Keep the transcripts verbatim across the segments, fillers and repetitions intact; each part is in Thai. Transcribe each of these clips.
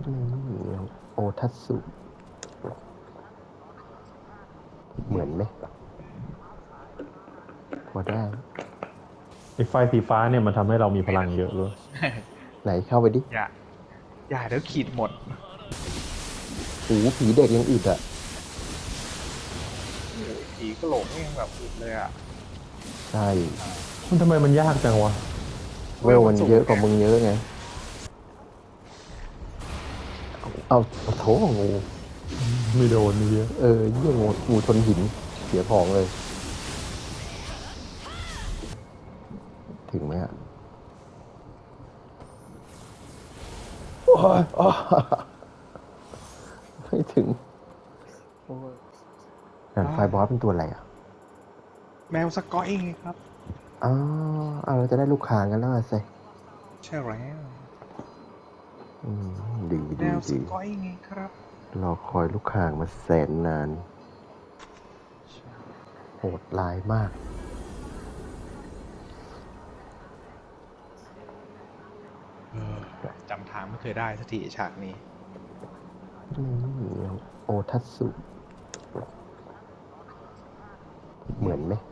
นี่โอทัตสุเหมือนไหมพอได้ไอ้ไฟสีฟ้าเนี่ยมันทำให้เรามีพลังเยอะเลยไหนเข้าไปดิอย่าอย่าเดี๋ยวขีดหมดโอ้ผีเด็กยังอึดอ่ะโอ้ยผีก็หลงยังแบบอึดเลยอ่ะใช่มันทำไมมันยากจังวะเวลมันเยอะกว่ามึงเยอะไงเอาเอาโถงูไม่โดนเยอะเออเยี่ยงูงูชนหินเสียของเลยถึงไหมอ่ะโอ้ยอ้อไม่ถึงด่านไฟบอสเป็นตัวอะไรอ่ะแมวสกอยไงครับอ๋อเอาเราจะได้ลูกค้างกันแล้วสิใช่แล้วอืมดีแมดีวสดีกอยไงครับรอคอยลูกค้างมาแสนนาน โหดร้ายมากเออจำทางไม่เคยได้สักทีฉากนี้นี่โอทัตสุเหมือนไหม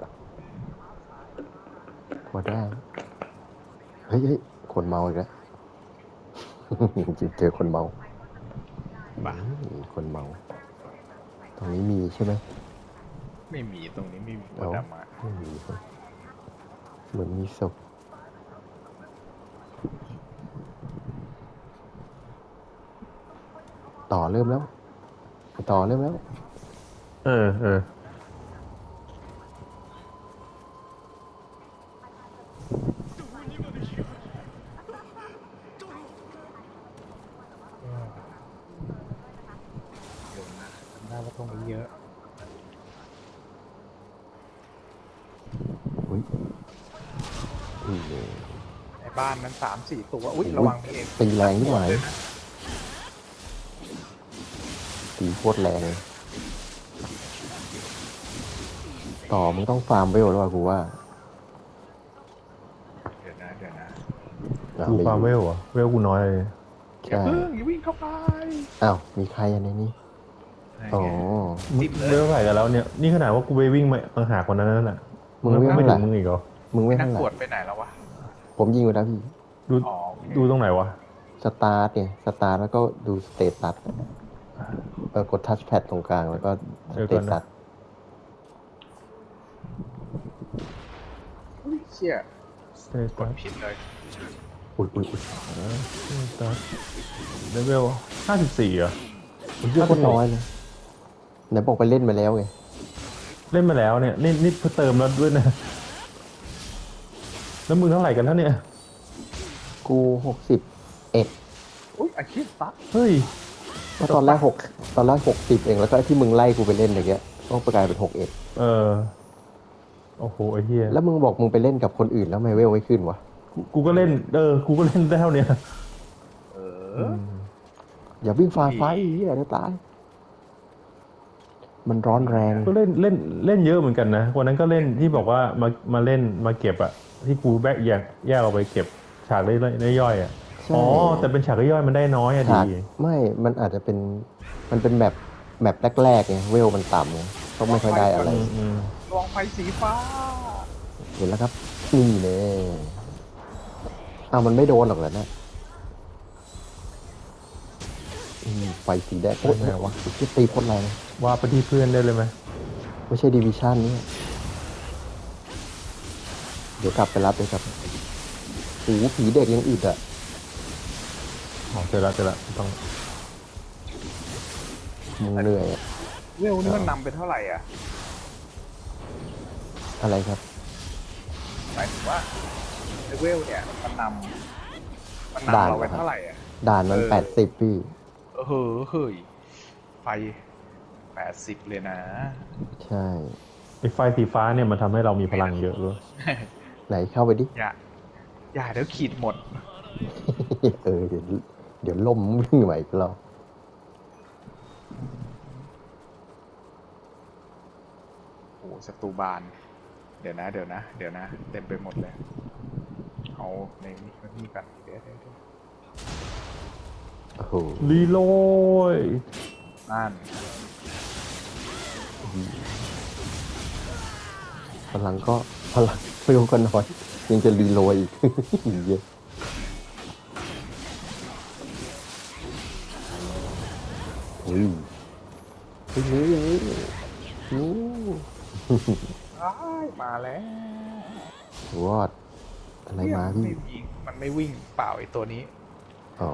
พอได้ เฮ้ยเฮ้ยคนเมาอีกแล้ว เจอคนเมาบ้าอืมคนเมา ตรงนี้มีใช่ไหมไม่มีตรงนี้ไม่มีตัวเอ้าดำอ่ะไม่มีครับเหมือนมีศพต่อเริ่มแล้ว ต่อเริ่มแล้วเออเออเดี๋ยวนะจำได้ว่าตรงนี้เยอะอุ้ยอุ้ยในบ้านนั้นสามสี่ตัวอุ้ยระวังพี่เองตีแรงที่ไหนตีโคตรแรง ต่อมึงต้องฟาร์มเวลแล้วอะกูว่าเดี๋ยวนะเดี๋ยวนะอ่ะกูไม่ฟาร์มเวอยู่ลเหรอเวลกูน้อยเลยอย่าใช่เพิ่งอย่าวิ่งเข้าไปอ้าว มีใครอันในนี้ อ๋อติดเลเวย ลเท่าไหร่กันแล้วเนี่ยนี่ขนาดว่ากูไปวิ่งมาต่างหากคนนั้นน่ะมึงเวลไม่เท่าไหถึร่งมึงอีกเหรอมึงเวลนักเท่าไหบวร่ชไปไหนแล้ววะผมยิงอยู่แล้วพี่ดูอ๋อโอเคดูตรงไหนวะสตาร์ทเนี่ยสตาร์ทแล้วก็ดูสเตตัสเออกดทัชแพดตรงกลางแล้วก็สเดี๋ยวเตก่อนนะตัสอุ้ยเชี่ยสเตกตัดสผิดเลยอุ้ยอุ้ยอุ้ยสเตตัสเลเวลห้าสิบสี่เหรอมันเยอะโคตรน้อยเลยไหนบอกไปเล่นมาแล้วไงเล่นมาแล้วเนี่ยนี่นี่เพิ่งเติมแล้วด้วยนะแล้วมึงเท่าไหร่กันแล้วเนี่ยกูหกสิบเอ็ดอุ้ยอาชีพตัดเฮ้ยก็ตอนแรกหกตอนแรกหกสิบเองแล้วก็ที่มึงไล่กูไปเล่นอย่างเงี้ยต้องกลายเป็นหกเอ็ดเออโอ้โหไอ้เหี้ยแล้วมึงบอกมึงไปเล่นกับคนอื่นแล้วทำไม่เวลไม่ขึ้นวะกูกูก็เล่นเออกูก็เล่นได้เท่าเนี้ยเอออย่าวิ่งฝ่าไฟเหี้ยจะตาย มันร้อนแรงก็เล่นเล่นเล่นเยอะเหมือนกันนะวันนั้นก็เล่นที่บอกว่ามามาเล่นมาเก็บอะที่กูแบกแยกแยกเอาไปเก็บฉากได้ย่อยๆอะใช่อ๋อแต่เป็นฉากย่อยๆมันได้น้อยอะฉากดีไม่ มันอาจจะเป็น มันเป็นแบบแมปแรกๆไงเวลมันต่ำไงก็ไม่ค่อยได้อะไรอืมอืมลองไฟสีฟ้าเห็นแล้วครับ นี่เน่อ้าวมันไม่โดนหรอกเหรอเนี่ยอืมไฟสีแดงโอ้ยไหนวะที่ตีโคตรแรงว่าไปที่เพื่อนได้เลยไหมไม่ใช่ดิวิชั่นนี่เดี๋ยวกลับไปรับเลยครับโอ้โหผีเด็กยังอึดอ่ะอ๋อเจอละเจอละต้องมึงเหนื่อยอะเวลนี่มันนำเป็นเท่าไหร่อ่ะอะไรครับหมายถึงว่าในเวลเนี่ยมันนำมันนำด่านเราเป็นเหรอครับเท่าไหร่อ่ะด่านมันเออแปดสิบพี่เออเฮ้ยเฮ้ยไฟแปดสิบเลยนะใช่ไอ้ไฟสีฟ้าเนี่ยมันทำให้เรามีพลังเยอะเลยไหนเข้าไปดิอย่าอย่าเดี๋ยวขีดหมดเออเดี๋ยวเดี๋ยวล่มวิ่งใหม่อีกรอบโอ้ศัตรูบาน เดี๋ยวนะ เดี๋ยวนะ เดี๋ยวนะ เต็มไปหมดเลย เอาในนี้นี่กันเดี๋ยวเดี๋ยวเดี๋ยวโอ้โหรีโหลดนั่นพลังก็พลังเร็วก็น้อยยังจะรีโหลดอีก เยอะอุ้ยเฮ้ยนี่นี่นี่อ้ายมาแล้ววอดอะไรมาพี่ไม่วิ่งมันไม่วิ่งเปล่าไอ้ตัวนี้อ๋อ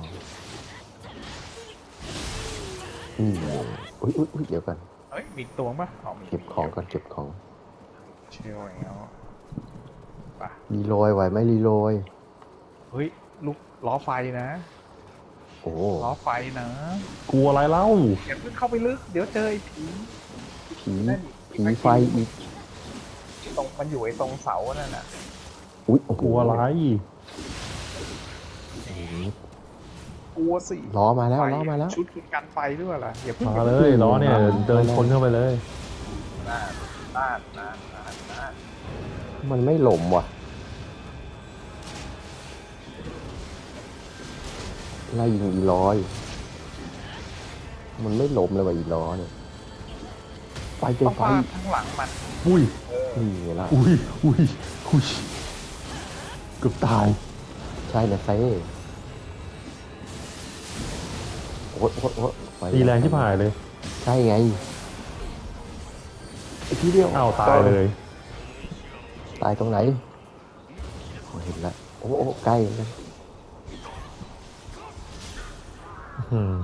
อืมอุ้ยอุ้ยอุ้ยเดี๋ยวก่อนเฮ้ยมีตัวปะอ๋อมีเก็บของก่อนเก็บของเชี่ยวแล้วป่ะรีโหลดไหวไหมรีโหลดเฮ้ยลูกล้อไฟนะโอ้ล้อไฟนะกลัวอะไรเล่าอย่าเพิ่งเข้าไปลึกเดี๋ยวเจอไอ้ผีผีนั่นผีไฟอีกตรงมันอยู่ไอ้ตรงเสานั่นน่ะอุ้ยโอ้โหกลัวอะไรกลัวสิล้อมาแล้วไฟล้อมาแล้วชุดคุณกันไฟด้วยล่ะอย่าเพิ่งมาเลยล้อเนี่ยเดินชนเข้าไปเลยน่านน่านน่านน่านน่านมันไม่หล่มว่ะไล่ยิงอีร้อย มันไม่หล่มเลยว่ะอีล้อเนี่ยไฟเจต้อองไฟฟาดข้างหลังมันอุ้ยนี่ไงล่ะอุ้ยอุ้ยอุ้ยเกือบตายใช่นะเซ่โอ้โหโอ้โหโอ้โหไฟตีแรงที่ผ่ายเลยใช่ไงไอ้ทีเดียวอ้าวตายเลยตายตรงไหนโอ้เห็นแล้วโอ้โหใกล้เลยอืม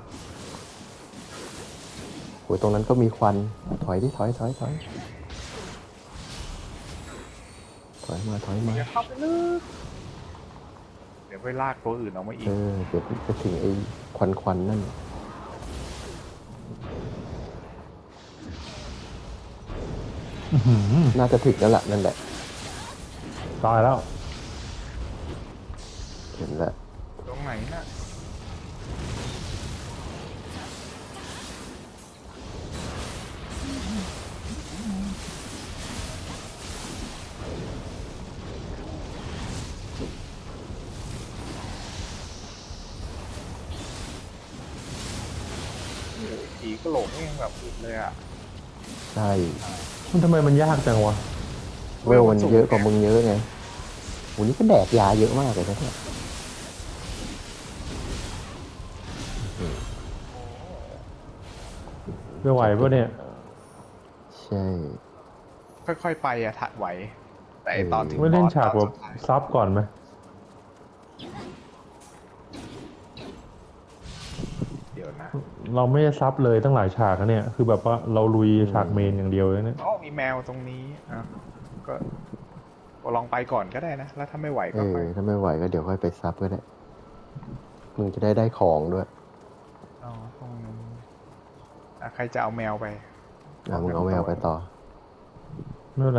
โอ้ยตรงนั้นก็มีควัน ถอยดิ ถอยถอยถอยถอยมา ถอยมาอย่าเข้าไปลึกเดี๋ยวไปลากตัวอื่นออกมาอีเอก อ เดี๋ยวจะถึงไอ้ควันควันนั่นอื้อหือน่าจะถึงแล้วล่ะ นั่นแหละตายแล้วเห็นแล้วตรงไหนน่ะผีกระโหลกนี่ยังแบบอึดเลยอ่ะใช่มันทำไมมันยากจังวะเวลมันเยอะกว่ามึงเยอะไงวันนี้ก็แดกยาเยอะมากเลยนะเนี่ยไม่ไหวปะเนี่ยใช่ค่อยๆไปอะถัดไหว แต่ไอ้ตอนถึงไม่เล่นบอสฉากตแบอนบสุดท้ายซับก่อนไหมเดี๋ยวนะเราไม่ได้ซับเลยตั้งหลายฉากนะเนี่ย คือแบบว่าเราลุยฉากเมนอย่างเดียวเลยเนี่ยอ๋อมีแมวตรงนี้อ่ะก็ก็ลองไปก่อนก็ได้นะ แล้วถ้าไม่ไหวเอก็อไปถ้าไม่ไหวก็เดี๋ยวค่อยไปซับก็ได้ มึงจะได้ได้ของด้วยอ๋อตรงนี้อ่ะใครจะเอาแมวไปอ่ะมึงเอาแมวไปต่อไม่เป็นไร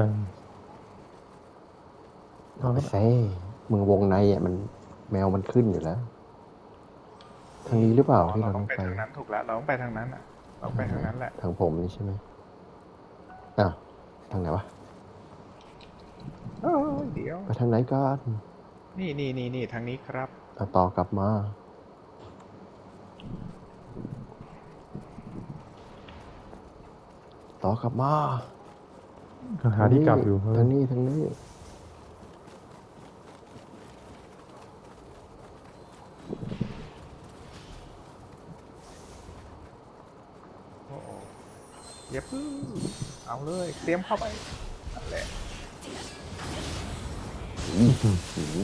เอาไปเซ่มึงวงในอ่ะมันแมวมันขึ้นอยู่แล้ว ทางนี้หรือเปล่าที่เราเราต้ต้ออง งไปไปทางนั้นถูกแล้ว เราต้องไปทางนั้นอ่ะ เราไปทางนั้นแหละทางผมนี่ใช่ไหมอ้าวทางไหนวะเอ้ยเดี๋ยวไปทางไหนกันนี่นี่นี่นี่ทางนี้ครับเอาต่อกลับมา ต่อกลับมาหาที่กลับอยู่ทางนี้ทางนี้โอ้โหอย่าพึ่งเอาเลย เตรียมเข้าไปนั่นแหละอื้อหือ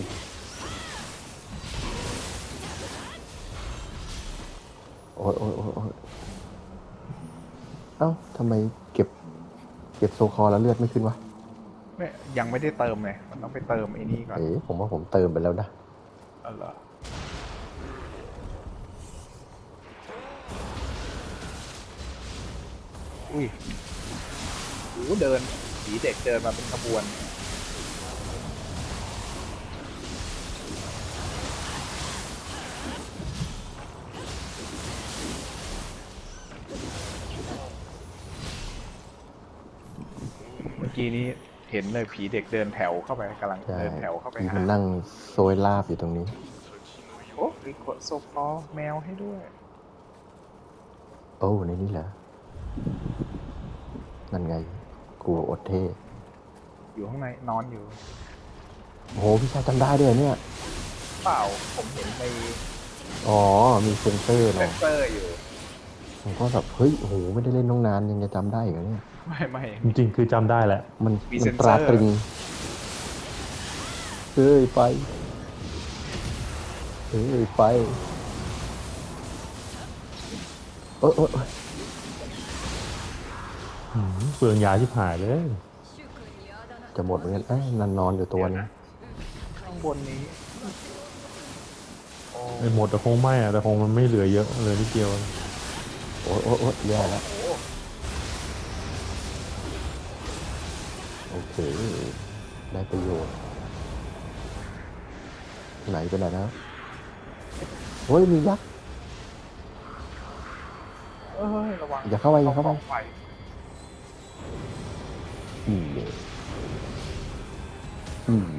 โอ้ยโอ้ยโอ้ยโอ้ยเอ้าทำไมเก็บ เก็บโซคอแล้วเลือดไม่ขึ้นวะไม่ยังไม่ได้เติมเลยมันต้องไปเติมไอ้นี่ก่อนเอ๋ผมว่าผมเติมไปแล้วนะอ๋อเหรออุ้ยโอ้โหเดินผีเด็กเดินมาเป็นขบวน เมื่อกี้นี้เห็นเลยผีเด็กเดินแถวเข้าไปกำลังใช่เดินแถวเข้าไปที่หามันนั่งโซยลาบอยู่ตรงนี้โอ้กดโซฟอแมวให้ด้วยโอ้ในนี้เหรอนั่นไง กูอดเท่อยู่ข้างในนอนอยู่โอ้โหพี่ชายจำได้ด้วยเนี่ยเปล่าผมเห็นในอ๋อ มีเซนเซอร์เซเนาะนเซอร์อยู่ผมก็แบบเฮ้ยโอ้โหไม่ได้เล่นน้องนานยังจะจำได้อีกเหรอเนี่ยไม่ไม่จริงๆคือจำได้แหละมันมีมัเซ็นนตเซอร์ราตรึงเฮ้ยไปเฮ้ยไปเออเออเอออืมเปลืองยาชิบหายเลยจะหมดเหมือนกันเอ้ยนันนอนอยู่ตัวนึงข้างบนนี้โอ้ไอ้หมดแต่คงไม่อะแต่คงมันไม่เหลือเยอะเหลยนิดเดียวโอ้ยโอ้ยโอ้ยแย่แล้วโหโอเค ได้ประโยชน์ ไหนไปไหนแล้วโอ้ยมียักษ์เอ้ยระวังอย่าเข้าไปอย่าเข้าไปกองฟอีเย่อีเย่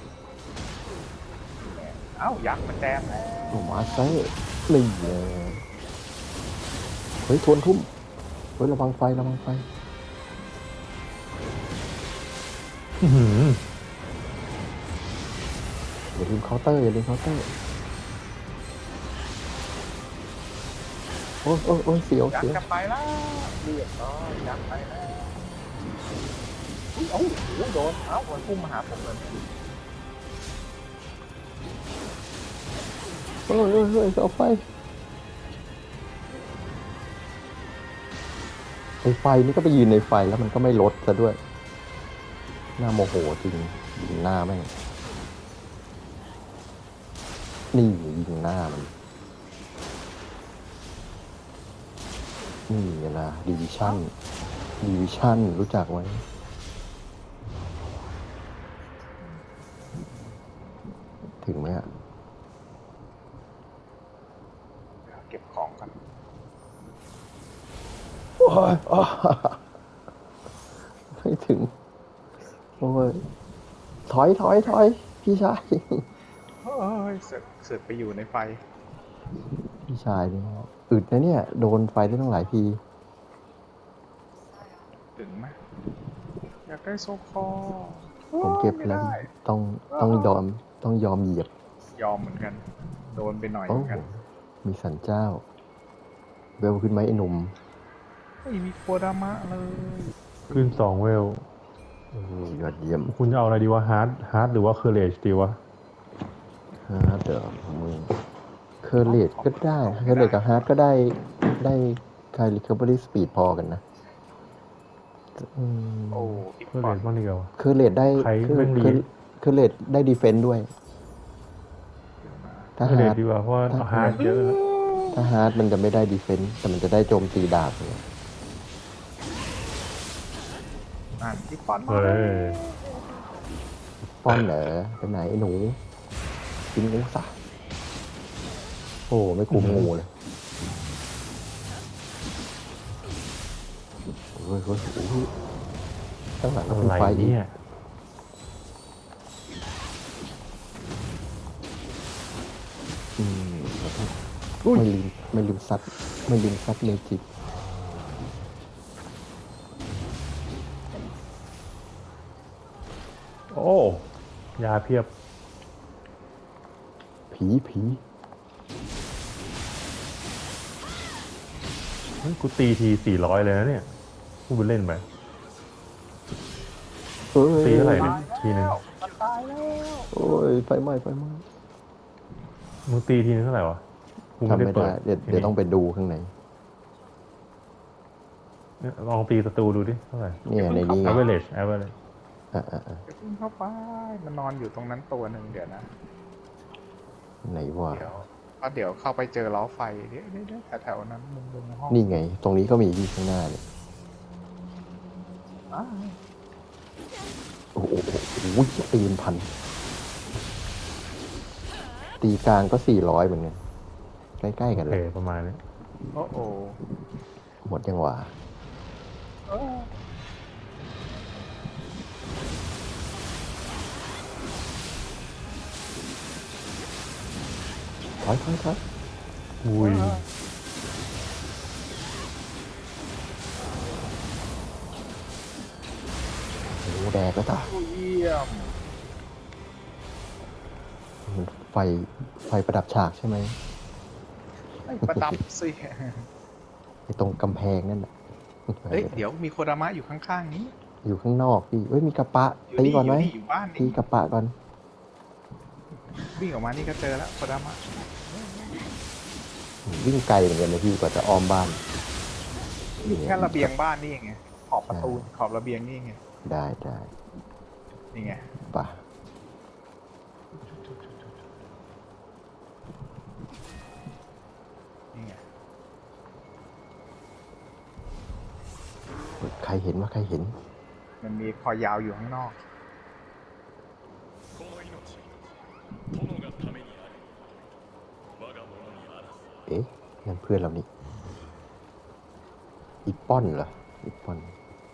เอ้ายักษ์มันแจมแล้วโอ้มาเซ่นี่เลยเฮ้ยทวนทุ่มเฮ้ยระวังไฟระวังไฟอื้อหืออย่าลืมเคาน์เตอร์อย่าลืมเคาน์เตอร์โอ้ยโอ้ยโอ้ยเสียวยักเสียวษ์จะไปแล้วเรียบร้อยยักษ์ไปแล้วอุ๊ยเอ้าโอ้โหโดนเอ้ามันพุ่งมาหาผมเลยโอ้ยโอ้ยโอ้ยเอาไฟไอไฟนี่ก็ไปยืนในไฟแล้วมันก็ไม่ลดซะด้วยหน้าโมโหจริงยิงหน้าแม่งนี่ยิงหน้ามันนี่ไงล่ะดิวิชั่นดิวิชั่นรู้จักไว้ถึงไหมอะเก็บของกันโอ้ยอ้อไม่ถึง โอ้ย ถอยถอยถอยพี่ชายเฮ้ยเสือกเสือกไปอยู่ในไฟพี่ชายเนี่ยอึดนะเนี่ย โดนไฟได้ตั้งหลายทีถึงไหมอยากได้โซคอผมเก็บไม่แล้วได้ต้องต้องยอมต้องยอมเหยียบยอมเหมือนกัน โดนไปหน่อยเหโอ้มือนกันมีสันเจ้า เวลขึ้นไหมไอ้หนุ่มไม่มีโคดามะเลยขึ้นสองเวลโอ้ยยอดเยี่ยมคุณจะเอาอะไรดีวะฮาร์ดฮาร์ดหรือว่าเคอร์เรจดีวะฮาร์ดเดี๋ยวมึงเคอร์เลตก็ได้เคอร์เลตกับฮาร์ดก็ได้ได้คายรีคาบอรี่สปีดพอกันนะอืมโอ้อีกเคอร์ก่เรอนจบ้างดีกว่าเคอร์เลตได้ใครเคอร์แม่งดีเคอร์เคอร์เลตได้ดีเฟนต์ด้วยเคถ้าอร์เรฮาจร์ดดีกว่าเพราะว่าถ้าฮาร์ดเยอะแล้วถ้าฮาร์ดมันจะไม่ได้ดีเฟนต์แต่มันจะได้โจมตีดาบเนี่ยอ่านอีกก่อนเฮ้ยป้อนเหรอไปไหนไอ้หนูกินงูสะโอ้ไม่คุมงูเลยเฮ้ยเฮ้ยโอ้โหข้างหลังก็อะเป็นไรไฟอีกเนี่ยอืมไม่ลืมไม่ลืมซัดไม่ลืมซัดเมจิกโอ้ยาเพียบผีผีเฮ้ยกูตีทีสี่ร้อยเลยนะเนี่ยพูดไปเล่นไปเฮ้ยตีเท่าไหร่เนี่ยทีหนึ่งมันตายแล้วโอ้ยไฟไหม้ไฟไหม้มึงตีทีนึงเท่าไหร่วะกูไม่ทำได้ไม่เปิได้ดเดี๋ยวเดี๋ยวต้องไปดูข้างในเนี่ยลองตีศัตรูดูดิเท่าไหร่เนี่ยในนี้ไง average average อ่ะอ่ะอ่ะเดี๋ยวพุ่งเข้าไปมันนอนอยู่ตรงนั้นตัวหนึ่งเดี๋ยวนะไหนวะเดี๋ยวก็เดี๋ยวเข้าไปเจอล้อไฟเดี๋ยวเดี๋ยวเดี๋ยวแถวๆนั้นมุมมุมในห้องนี่ไง ตรงนี้ก็มีที่ข้างหน้าเนี่ยอ่าโอ้โหโอ้โหโอ้โหตีนพัน ตีกลางก็สี่ร้อยเหมือนกัน ใกล้ๆกันโอเลเคยประมาณนี้โอ้โหหมดยังหวะเออถอยถอยถอยอุ้ยโอ้โหแดกแล้วตาโอ้เยี่ยมมันไฟไฟประดับฉากใช่ไหมไอ้ประดับสิไอ้ตรงกำแพงนั่นน่ะเฮ้ยเดี๋ยวมีโคดามะอยู่ข้างๆนี้อยู่ข้างนอกพี่เอ้ยมีกระปะอยู่ตีนี่ก่อนอไหมยู่นี่อยู่บ้านตีนี่กระปะก่อนวิ่งออกมานี่ก็เจอแล้วโคดามะวิ่งไกลเหมือนกันนะพี่กว่าจะอ้อมบ้านอยู่แค่ระเบียงบ้านนี่ไงขอบประตูขอบระเบียงนี่ไงได้ได้นี่ไงป่ะนี่ไงใครเห็นว่าใครเห็นมันมีคอยาวอยู่ข้างนอกเอ๊ะนั่นเพื่อนเรานี่อีป้อนเหรออีป้อน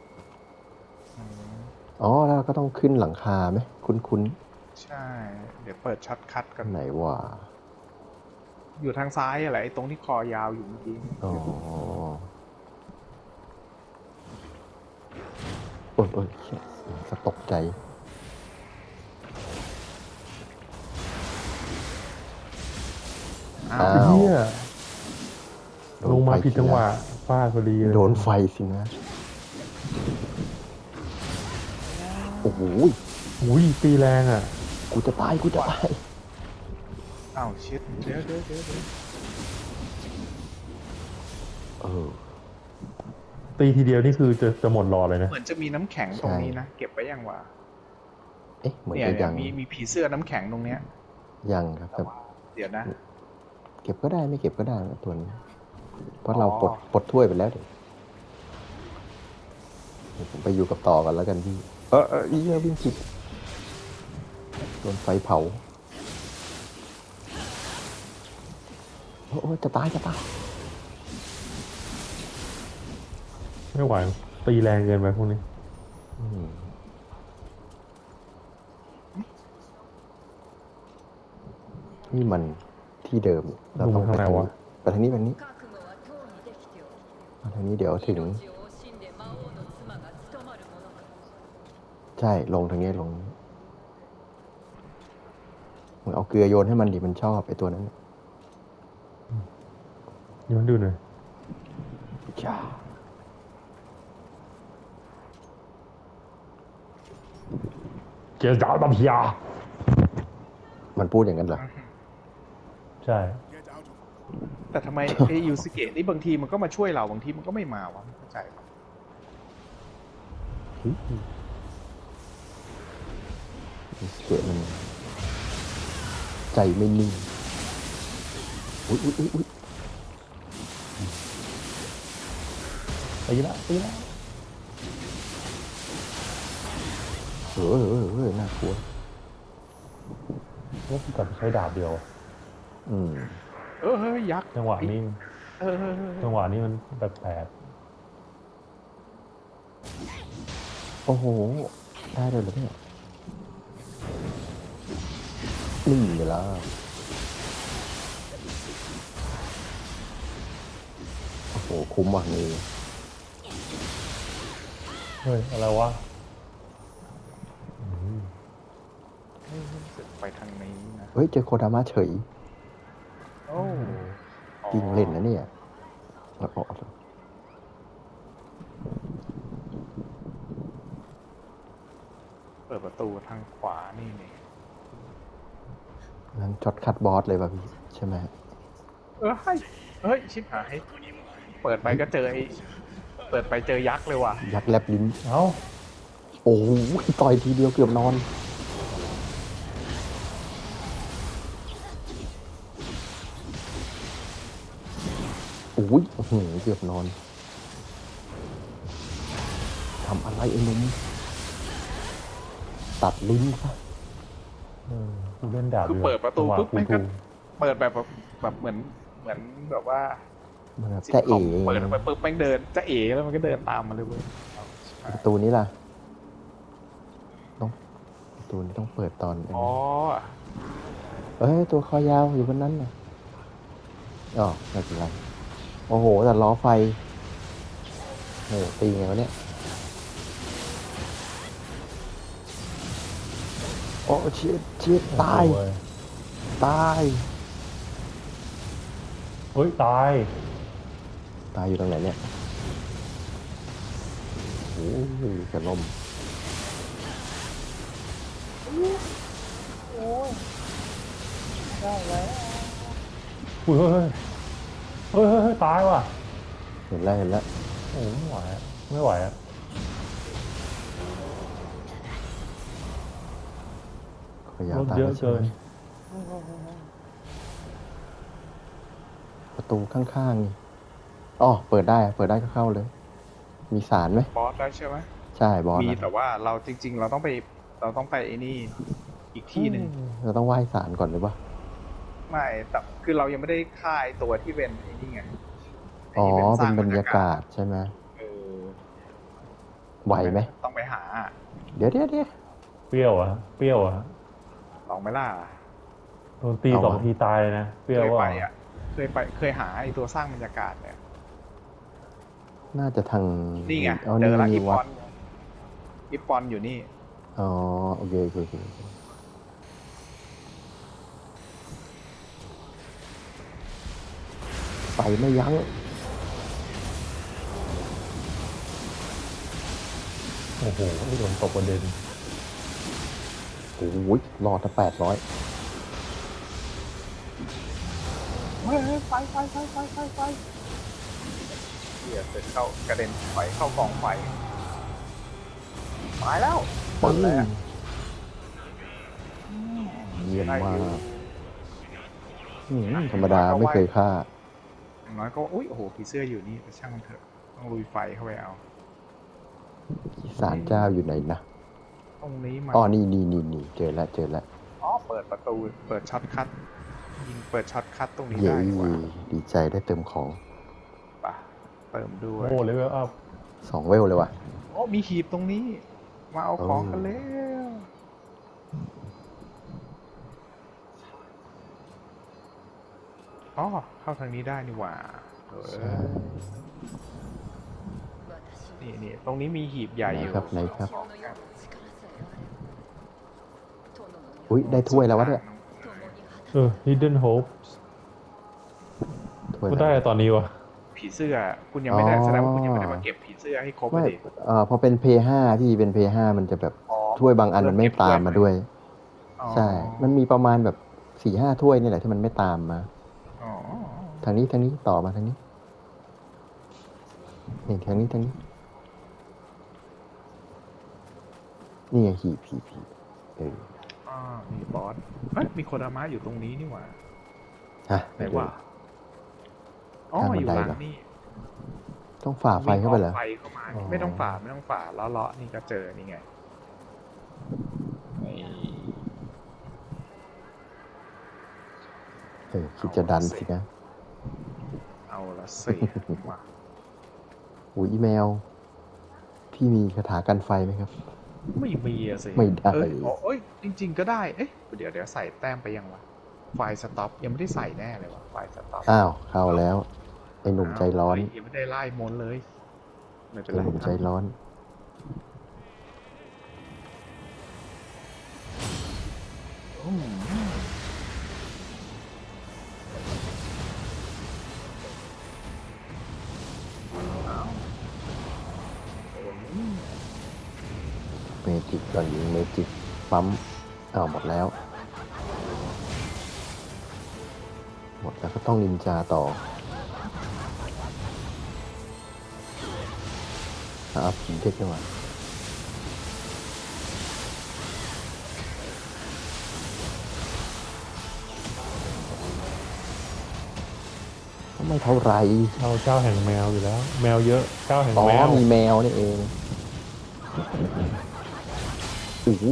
อ๋อแล้วเราก็ต้องขึ้นหลังคาไหมคุ้นคุ้นใช่ เดี๋ยวเปิดช็อตคัทกันๆไหนว่าอยู่ทางซ้ายอะไรไอ้ตรงที่คอยาวอยู่เมื่อกี้อ๋อโอ้ยโอ้ยเชี่ยจะตกใจอ้าอ้าว วเฮียโดนลงมาไฟผิดจังหวะฟาดพอดีเลยโดนไฟสินะ โอ้โหอุ้ยตีแรงอ่ะกูจะตาย กูจะตายอ้าวชิดเดี๋ยวเดี๋ยวเดี๋ยวเดี๋ยวเออตีทีเดียวนี่คือจะจะหมดรอเลยนะเหมือนจะมีน้ำแข็งตรงนี้นะ เก็บไว้ยังวะเอ๊ะ เหมือนเนี่ยจะเนี่ยัยงมีมีผีเสื้อน้ำแข็งตรงเนี้ยยังครับแต่แต่ว่าเดี๋ยวนะเก็บก็ได้ไม่เก็บก็ได้นะตัวนี้ เพราะอ๋อเราปลดปลดถ้วยไปแล้วเดี๋ยวเดี๋ยวผมไปอยู่กับต่อกันแล้วกันพี่ เออเอออีเหี้ยวิ่งผิดโดนไฟเผา โอ้โอ้จะตายจะตายไม่ไหวตีแรงเกินไปพวกนี้อืมนี่มันที่เดิม เราต้องไปทางนี้ไปทางนี้ไปทางนี้覚悟はとうにできておる。 มาทางนี้เดี๋ยวถึง命を惜しんで魔王の妻が務まるものか。 ใช่ ลงทางนี้ลงมึงเอาเกลือโยนให้มันดิมันชอบไอ้ตัวนั้นน่ะย้อนดูหน่อยจ้าเจอดาวดับยามันพูดอย่างนั้นเหรอใช่แต่ทำไม ไอ้ยูสเกะนี่บางทีมันก็มาช่วยเราบางทีมันก็ไม่มาวะไม่เข้าใจเกิดมัน ใจไม่นิ่ง อุ้ยอุ้ยอุ้ยอุ้ยตีละตีละเออเออเออน่ากลัวว่าพี่กลับไปใช้ดาบเดียวอืมเออเฮ้ยยักษ์จังหวะนี้เออเออเออจังหวะนี้มันแปลกโอ้โห ได้เลยเหรอเนี่ยนี่เวลาโอ้โห คุ้มว่ะนี่ๆเฮ้ยอะไรวะอืมเฮ้ยรู้สึกไปทางนี้นะเฮ้ย เจอโคดามะเฉยโอ้จริงเล่นนะเนี่ยเอาเอาเอาเปิดประตูทางขวานี่นี่งั้นช็อตคัดบอสเลยป่ะพี่ ใช่ไหมเออเฮ้ยเฮ้ยชิบหายเปิดไปก็เจอไอ้เปิดไปเจอยักษ์เลยว่ะยักษ์แลบลิ้นเอ้าโอ้โหต่อยทีเดียวเกือบนอน โอ้ยอื้อหือเกือบนอน ทำอะไรไอ้หนุ่ม ตัดลิ้นซะเออกูเล่นดาบคือดีกว่าเปิดประตูจังหวะปุ๊บกูแม่งก็ถูกเปิดแบบแบบแบบเหมือนเหมือนแบบว่ามันแบบซิทจะคเอ๋อมเปิดไปปุ๊บแม่งเดินจะเอ๋แล้วมันก็เดินตามมาเลยเว้ยประตูนี้ล่ะ ต้องประตูนี้ต้องเปิดตอนอ๋อเอ้ย ตัวคอยาวอยู่บนนั้นน่ะอ๋อไม่เป็นไรโอ้โหแต่ล้อไฟโอ้โหตีไงวะเนี่ยโอ้ชิดชิดตายโอ้โหตายเฮ้ย ตายตายอยู่ตรงไหนเนี่ยโอ้ยจะล่มโอ้ยได้แล้วอุ้ยเฮ้ยเฮ้ยเฮ้ยเฮ้ยเฮ้ยตายว่ะเห็นแล้วเห็นแล้วโอ้โหไม่ไหวอะไม่ไหวอะขยารถตายเยแล้อะวใช่เกิไหมนประตูข้างๆนี่อ๋อเปิดได้เปิดได้ก็เข้าเลย มีสารไหมบอสได้ใช่ไหมใช่บอสมีนะแต่ว่าเราจริง ๆ เราต้องไปเราต้องไปไอ้นี่อีกที่หนึ่งเราต้องไหว้สารก่อนหรือเปล่าไม่แต่คือเรายังไม่ได้ฆ่าไอ้ตัวที่เป็นไอ้นี่ไงไอ๋อที่สเป็ร้าน งบรรยากาศใช่ไหมเออไหวไหมต้องไปหาเดี๋ยวเดี๋ยวเดี๋ยวเปรี้ยวอะเปรี้ยวอะลองไหมล่ะโดนตีเอาสองวะทีตายเลยนะ เปรี้ยวเคยว่าไปอ่ะ เคยไปเคยหาไอ้ตัวสร้างบรรยากาศเนี่ยน่าจะทางนี่ไงเอาเจนี่อละมีอีปวัอดนอีปอนอยู่นี่อ๋อโอเคโอเคโอเคโอเคไฟไม่ยั้งโอ้โหโดนตกประเด็นโอ้ยรอดถ้าแปดร้อยเฮ้ยไฟไฟไฟไฟไฟไฟเดี๋ยวเสร็จเข้ากระเด็นไฟเข้ากองไฟตายแล้วหมดแล้วเยี่ยมได้มาอยู่กอืมธรรมดาไม่เคยฆ่าอย่างน้อยก็อุ้ยโอ้โหผีเสื้ออยู่นี่แต่ช่างมันเถอะต้องลุยไฟเข้าไปเอาสารเจ้าอยู่ไหนนะตรงนี้มันอ๋อ นี่นี่นี่นี่เจอแล้วเจอแล้วอ๋อเปิดประตูเปิดช็อตคัทยิงเปิดช็อตคัทตรงนี้เย้ได้ดีกว่าดีใจได้เติมของปะเติมด้วยโอ้เลเวลอัพสองเวลเลยว่ะโอ้มีหีบตรงนี้ มาเอาของกันแล้ว อ๋อ เข้าทางนี้ได้นี่หว่าเออใช่私นี่にนี่ตรงนี้มีหีบใหญ่ไหนอยู่ครับไหนครับのような力さえあれば殿のอุ้ยได้ถ้วยแล้ววะเนี่ย共に果เออ hidden hopes ถ้วยก็แล้วได้ตอนนี้วะผีเสื้อ คุณยังไม่ได้อ๋อแสดงว่าคุณยังไม่ได้มาเก็บผีเสื้อให้ครบเลไม่ยเอ่อพอเป็นเพย์ห้าพี่เป็นเพย์ห้ามันจะแบบอ๋อถ้วยบางอันมันไม่ตามมาด้วยอ๋อใช่ มันมีประมาณแบบสี่ห้าถ้วยนี่แหละที่มันไม่ตามมาอ๋อทางนี้ทางนี้ต่อมาทางนี้นี่ทางนี้ทางนี้ นี่ไงหีบหีบหีบเอออ่ามีบอสเอ้ยมีโคดามะอยู่ตรงนี้นี่หว่าฮะไหนวะอ๋อข้างบัอน ยู่ไดหลังเหรอนี่ต้องฝ่าไฟเข้าไปเหรอวิ่งอ้อมไฟเข้ามาอ๋อไม่ต้องฝ่าไม่ต้องฝ่าล้อเลาะนี่ก็เจอนี่ไงนี่เออคิดจะดันสินะเอาละสิมาอุ้ยอีเมล พี่มีคาถากันไฟไหมครับไม่มีอะสิไม่ได้เอ้ยอ๋อเอ้ยจริง ๆ ก็ได้เอ๊ะเดี๋ยวเดี๋ยวใส่แต้มไปยังวะไฟสต็อปยังไม่ได้ใส่แน่เลยวะไฟสต็อปอ้าว เข้าแล้ว ไอ้หนุ่มใจร้อนเฮ้ยยังไม่ได้ไล่มนต์เลยไม่เป็นไอ้ไรหนุ่มใจร้อนอืมเอาอืมเมจิกก่อนยิงเมจิกปั๊มอ้าวหมดแล้ว หมดแล้วก็ต้องนินจาต่ออ้าวผีเด็กนี่หว่าก็ไม่เท่าไหรเอาเจ้าแห่งแมวอยู่แล้ว แมวเยอะ เจ้าแห่งอ๋อแมวมีแมวนี่เองโอ้โห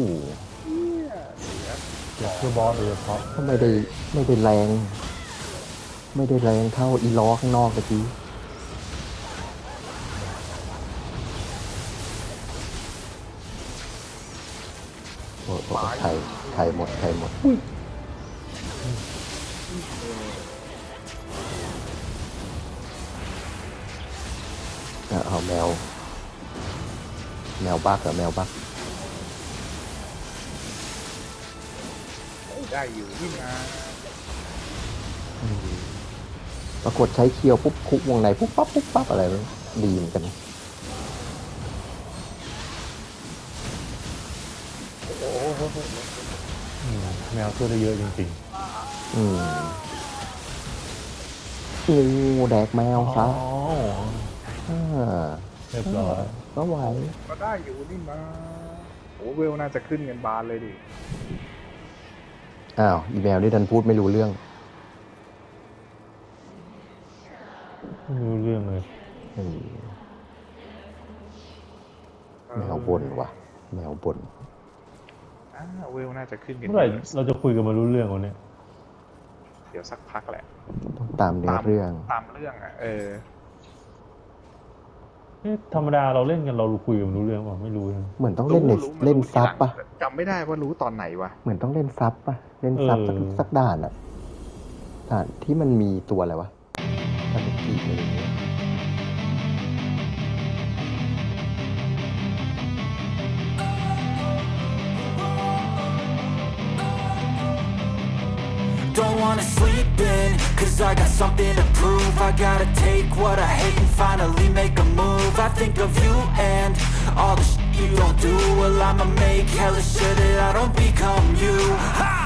อยากเพื่อบอสโดยเฉพาะก็ไม่ได้ไม่ได้แรง ไม่ได้แรงเท่าอีล้อข้างนอกตะกี้โอ้โหไข่ไข่หมดไข่หมดอ่ะเอาแมว แมวบักเหรอแมวบักโอ้ได้อยู่นี่นะปรากฏใช้เคียวปุ๊บคุกวงในปุ๊บปั๊บปุ๊บปั๊บอะไรมันดีเหมือนกันนะโอ้โหอืมแมวช่วยได้เยอะจริงอืมงูแดกแมๆวซะอ๋ออ่าเรียบร้อยก็ไหวก็ได้อยู่นี่นะโอ้เวลน่าจะขึ้นเงินบานเลยดิอ้าว อีแมวนี่ดันพูดไม่รู้เรื่องไม่รู้เรื่องเลยอืมแมวบนว่ะ แมวบนอ่าเวลน่าจะขึ้นกันเมื่อไหร่เราจะคุยกันมารู้เรื่องวันนี้เดี๋ยวสักพักแหละต้องตามเนื้อเรื่องตามเรื่องอ่ะเออเอ๊ะธรรมดาเราเล่นกันเราคุยกันรู้เรื่องป่ะไม่รู้นะเหมือนต้องเล่นในรู้รู้เล่นรู้ซับทีหลังปะจำไม่ได้ว่ารู้ตอนไหนวะเหมือนต้องเล่นซับปะเล่นซับสักเออสักด่านอะด่านที่มันมีตัวอะไรวะตาลุกิอะไรอย่างเงี้ย Don't wanna sleep in, cause I got something to prove. I gotta take what I hate and finally make a move. I think of you and all the shit you don't do. Well, I'ma make hella sure that I don't become you. Ha!